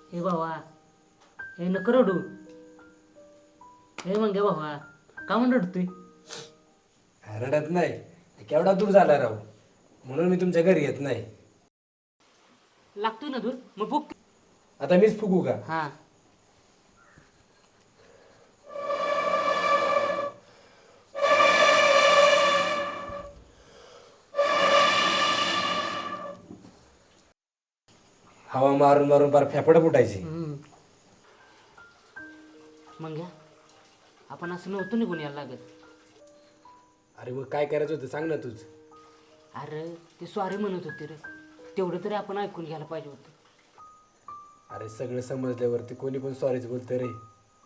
हे भावा, हे नको रडू. हे मग भावा, का म्हणून रडतोय? रडत नाही, केवढा दूर झाला राव, म्हणून मी तुमच्या घरी येत नाही. लागतोय ना दूर, मग बुक. आता मीच फुगू का? हा. हवा मारून मारून फार फेफडं फुटायची. मग घ्या, आपण असं नव्हतं निघून यायला लागत. अरे मग काय करायचं होतं सांग ना तूच. अरे ते सॉरी म्हणत होते रे, तेवढं तरी आपण ऐकून घ्यायला पाहिजे होतं. अरे सगळं समजल्यावरती कोणी पण सॉरीच बोलतं रे.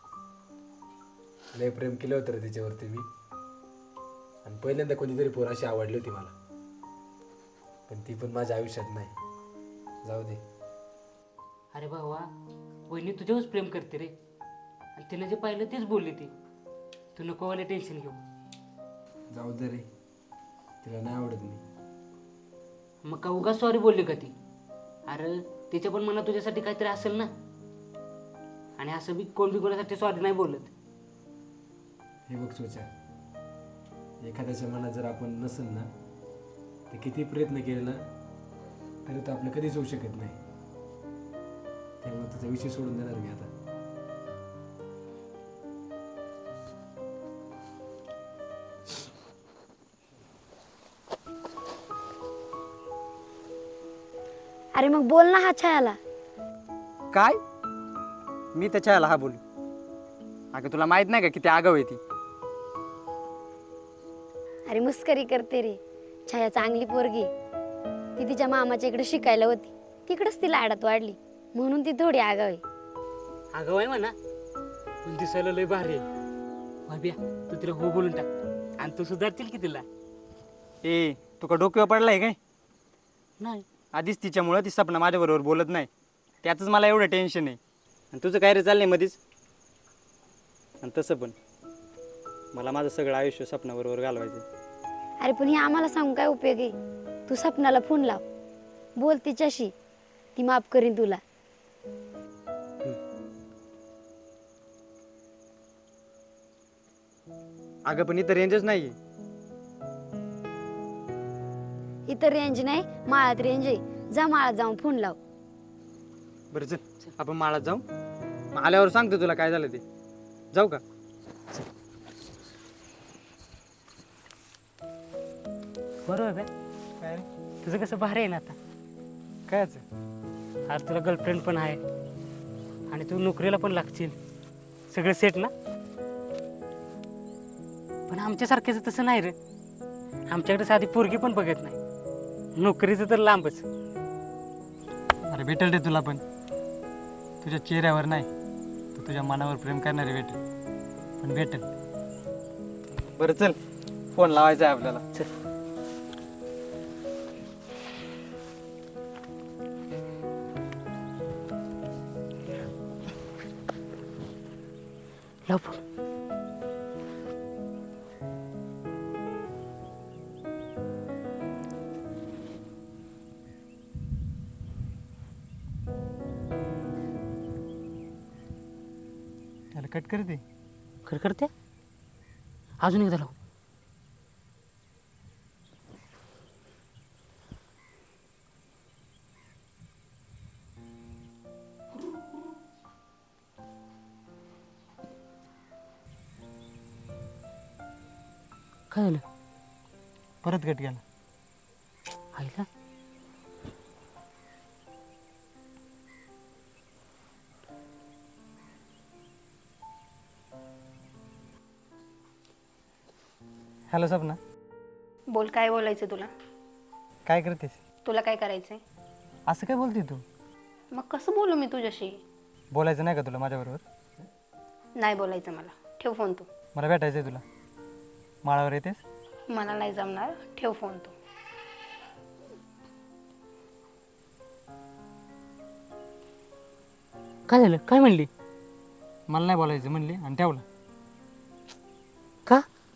लय प्रेम केलं होतं रे तिच्यावरती मी, आणि पहिल्यांदा कोणीतरी पोर अशी आवडली होती मला, पण ती पण माझ्या आयुष्यात नाही. जाऊ दे. अरे भावा, वहिनी तुझ्यावरच प्रेम करते रे, आणि तिने जे पाहिलं तेच बोलली ती. तू नको वाले टेन्शन घेऊ. जाऊ दे रे, तिला नाही आवडत मी. मग का उगाच सॉरी बोलली का ती? अरे तिच्या पण मनात तुझ्यासाठी काहीतरी असेल ना, आणि असं बी कोण बी कोणासाठी सॉरी नाही बोलत. हे बघ सोचा, एखाद्याच्या मनात जर आपण नसेल ना, तर किती प्रयत्न केले ना तरी तो आपलं कधीच होऊ शकत नाही. त्यामुळे तुझा विषय सोडून देणार मी आता. अरे मग बोल ना हा छायाला. काय? मी त्याच्या हा बोलू? अगं तुला माहित नाही का किती आगाव आहे ती? अरे मस्करी करते रे, छाया चांगली पोरगी. ती तिच्या मामाच्या इकडे शिकायला होती, तिकडेच ती लाडात वाढली, म्हणून ती थोडी आगाव आहे. अगं आहे म्हणा, पण दिसायला लय भारी आहे. भाब्या, तू तिला हो बोलून टाक, आणि तू सुधारतील की तिला. ए, तुका डोक्यावर पडलाय काय? नाही. आधीच तिच्यामुळं ती सपना माझ्याबरोबर बोलत नाही, त्यातच मला एवढं टेन्शन आहे. आणि तुझं काय रे चाललंय मध्येच? आणि तसं पण मला माझं सगळं आयुष्य सपनाबरोबर घालवायचं. अरे पण हे आम्हाला सांगून काय उपयोग आहे? तू सपनाला फोन लाव, बोल तिच्याशी, ती माफ करीन तुला. अगं पण इथं रेंजच नाही. इथं रेंज नाही, माळात रेंज आहे. जा माळात जाऊन फोन लाव. बरं चल, आपण माळात जाऊ, मग आल्यावर सांगतो तुला काय झालं ते. जाऊ का? बरोबर आहे. काय तुझं कसं भारी आहे ना आता. कायच? आज तुला गर्लफ्रेंड पण आहे, आणि तू नोकरीला पण लागशील, सगळं सेट ना. पण आमच्यासारख्याचं तसं नाही रे. आमच्याकडे साधी पोरगी पण बघत नाही, नोकरीचं तर लांबच. अरे भेटेल रे तुला पण, तुझ्या चेहऱ्यावर नाही तर तुझ्या मनावर प्रेम करणारे भेटेल, पण भेटेल. बरं चल, फोन लावायचा आहे आपल्याला. चल. लाव फोन. त्याला कट करते. खरं करते, अजून एकदा लाव. काय झालं? परत कट केला. आईला हॅलो सपना, बोल, काय बोलायचं तुला? काय करतेस? तुला काय करायचंय? असं काय बोलते तू? मग कसं बोलू मी तुझ्याशी? बोलायचं नाही का तुला माझ्याबरोबर? नाही बोलायचं मला. ठेव फोन तू. मला भेटायचं आहे तुला. माळावर येतेस? मला नाही जमणार. ठेव फोन तू. काय झालं? काय म्हणली? मला नाही बोलायचं म्हणली आणि ठेवलं. का?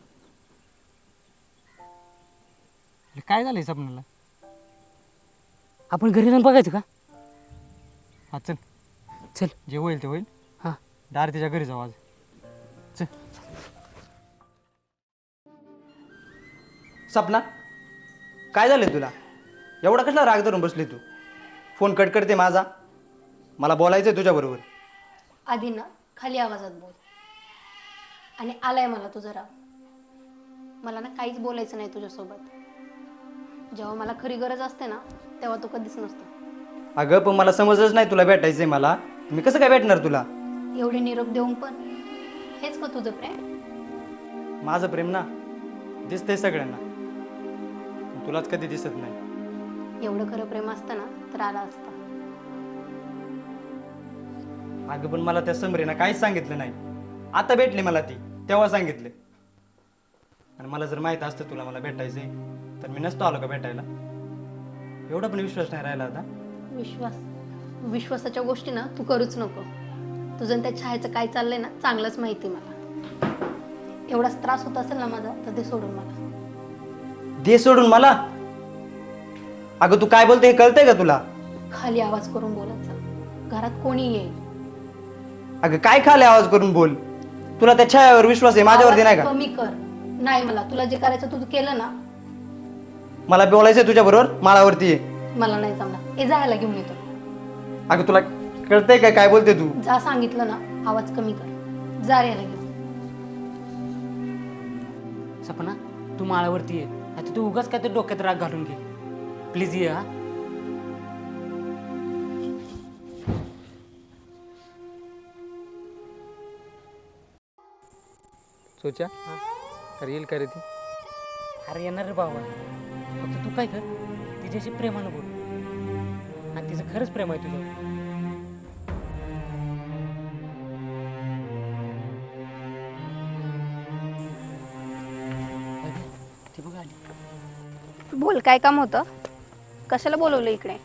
काय झालंय सपनाला? आपण घरी जाऊन बघायचं का? हा चल. चल. जे होईल ते होईल. हां. डायरेक्ट तिच्या घरी जाऊ आज. चल. सपना काय झालं तुला? एवढा कसला राग धरून बसली तू? फोन कट करते माझा. मला बोलायचं आहे तुझ्याबरोबर. आधी ना खाली आवाजात बोल. आणि आलाय मला तुझा राग. मला ना काहीच बोलायचं नाही तुझ्यासोबत. जेव्हा मला खरी गरज असते ना तेव्हा तू कधीच नसतो. अगं पण मला समजच नाही तुला भेटायचं आहे मला. मी कसं काय भेटणार तुला? एवढे निरोप देऊन पण हेच का तुझं प्रेम? माझं प्रेम ना दिसतंय सगळ्यांना, पण तुलाच कधी दिसत नाही. एवढं खरं प्रेम असतं ना तर आला असता. अगं पण मला त्या समरीनं काहीच सांगितलं नाही. आता भेटली मला ती, तेव्हा सांगितले. आणि मला जर माहीत असतं तुला मला भेटायचंय तर मी नसतो आलो का भेटायला. एवढा पण विश्वास नाही राहिला आता. विश्वासाच्या गोष्टी ना तू करूच नको. तुझं आणि त्या छायेचं काय चाललंय ना चांगलंच माहिती मला. एवढाच त्रास होत असेल ना माझा तर ते सोडून मला. दे सोडून मला? अगं तू काय बोलते हे कळतंय का तुला? खाली आवाज करून बोलायचा. घरात कोणी येईल. अगं काय खाली आवाज करून बोल? तुला त्या छायावर विश्वास आहे, माझ्यावरती नाही आवाज का? कमी कर. नाही मला तुला जे करायचं तू केलं ना. मला बोलायचंय तुझ्याबरोबर, माळावरती ये. मला नाही जमणार. हे जायला घेऊन येतो. अगं तुला कळतंय का काय बोलते तू? जा सांगितलं ना आवाज कमी कर. जा रे याला घेऊन. सपना तू माळावरती ये. आता तू उगाच काय तर डोक्यात राग घालून घे. प्लीज ये. हा सोच्या तर येईल का रे ती? अरे येणार रे बाबा. फक्त तू काय कर, तिच्याशी प्रेमानं बोल. आणि तिचं खरंच प्रेम आहे तुझ्यावर. ती बघ आली. बोल काय काम होतं? कशाला बोलवलं इकडे?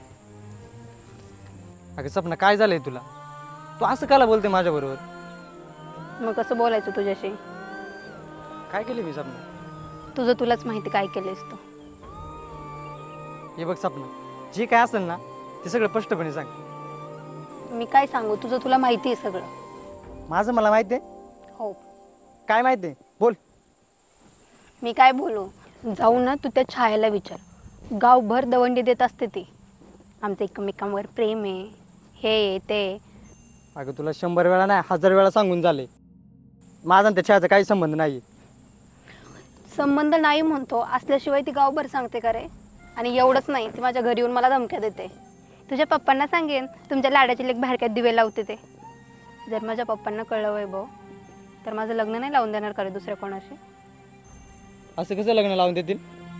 अगं सपना काय झालंय तुला? तू असं काला बोलते माझ्याबरोबर? मग कसं बोलायचं तुझ्याशी? काय केली मी सपना? तुझं तुलाच माहिती काय केलेस तू. हे बघ सपना, जे काय असेल ना ते सगळं स्पष्टपणे सांग. मी काय सांगू? तुझं तुला माहिती आहे सगळं. माझं मला माहिती आहे. हो. काय माहिती आहे? बोल. मी काय बोलू? जाऊ ना तू त्या छायाला विचार. गावभर दवंडी देत असते ती. आमचं एकमेकांवर प्रेम आहे, हे आहे, ते. अगं तुला 100 वेळा नाही 1000 वेळा सांगून झाले. माझा आणि त्या छायाचा काही संबंध नाही. संबंध नाही म्हणतो असल्याशिवाय ती गावभर सांगते का रे? आणि एवढंच नाही, ती माझ्या घरी येऊन मला धमक्या देते. तुझ्या पप्पांना सांगेन तुमच्या लाडाची लेक बाहेरक्यात दिवे लावते ते. जर माझ्या पप्पांना कळलं वैभव तर माझं लग्न नाही लावून देणार का रे दुसऱ्या कोणाशी? असं कसं लग्न लावून देतील?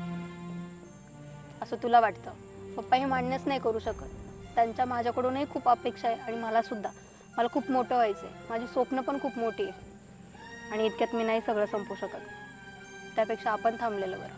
असं तुला वाटतं? पप्पा हे मान्यच नाही करू शकत. त्यांच्या माझ्याकडूनही खूप अपेक्षा आहे आणि मला सुद्धा. मला खूप मोठं व्हायचं आहे. माझी स्वप्न पण खूप मोठी आहे. आणि इतक्यात मी नाही सगळं संपू शकत. त्यापेक्षा आपण थांबलेलं बरं.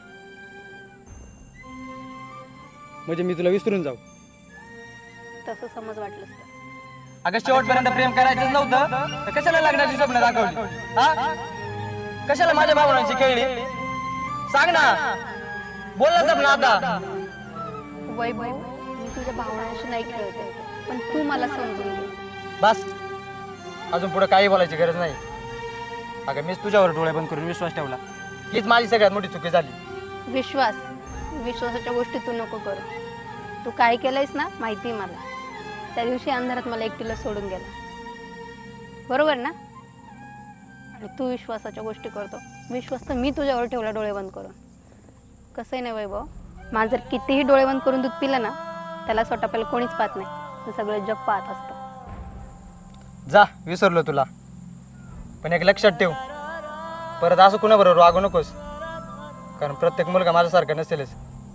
म्हणजे मी तुला विसरून जाऊ? तसं समज वाटलंच तर. अगं शेवटपर्यंत प्रेम करायचंच नव्हतं तर कशाला लग्नाची स्वप्न दाखवली? हा? कशाला माझ्या भावनांची खेळली? सांग ना, बोल ना सपना आता. वैभव, मी तुझ्या भावनांशी नाही खेळते, पण तू मला समजून घे. बस, अजून पुढे काही बोलायची गरज नाही. अगं मीच तुझ्यावर डोळे बंद करून विश्वास ठेवला. हीच माझी सगळ्यात मोठी चुकी झाली. विश्वासाच्या गोष्टी तू नको करू. तू काय केलंयस ना माहिती आहे मला. त्या दिवशी अंधारात मला एकटीला सोडून गेला, बरोबर ना? आणि तू विश्वासाच्या गोष्टी करतो. विश्वास तर मी तुझ्यावर ठेवला डोळे बंद करून. कसं आहे ना वैभव, माझं जर कितीही डोळे बंद करून दूध पिलं ना त्याला स्वतः पहिलं कोणीच पाहत नाही, तर सगळं जग पाहत असतं. जा, विसरलो तुला. पण एक लक्षात ठेव, परत असं कुणाबरोबर वागू नकोस. कारण प्रत्येक मुलगा माझ्यासारखा नसेलच.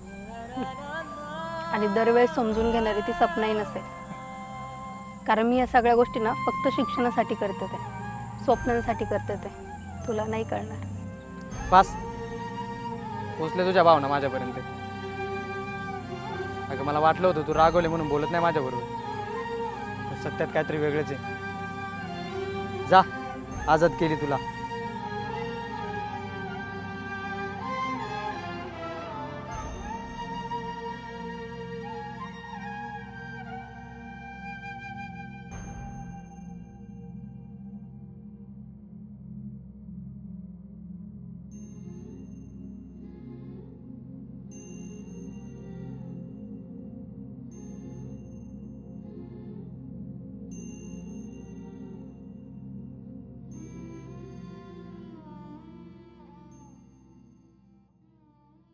आणि दरवेळेस समजून घेणारी ती सपनाही नसेल. कारण मी या सगळ्या गोष्टी ना फक्त शिक्षणासाठी करते, ते स्वप्नांसाठी करते. ते तुला नाही कळणार. पास पोचले तुझ्या भावना माझ्यापर्यंत. अगं मला वाटलं होतं तू रागवले म्हणून बोलत नाही माझ्याबरोबर. सत्यात काहीतरी वेगळंच आहे. जा, आजाद केली तुला.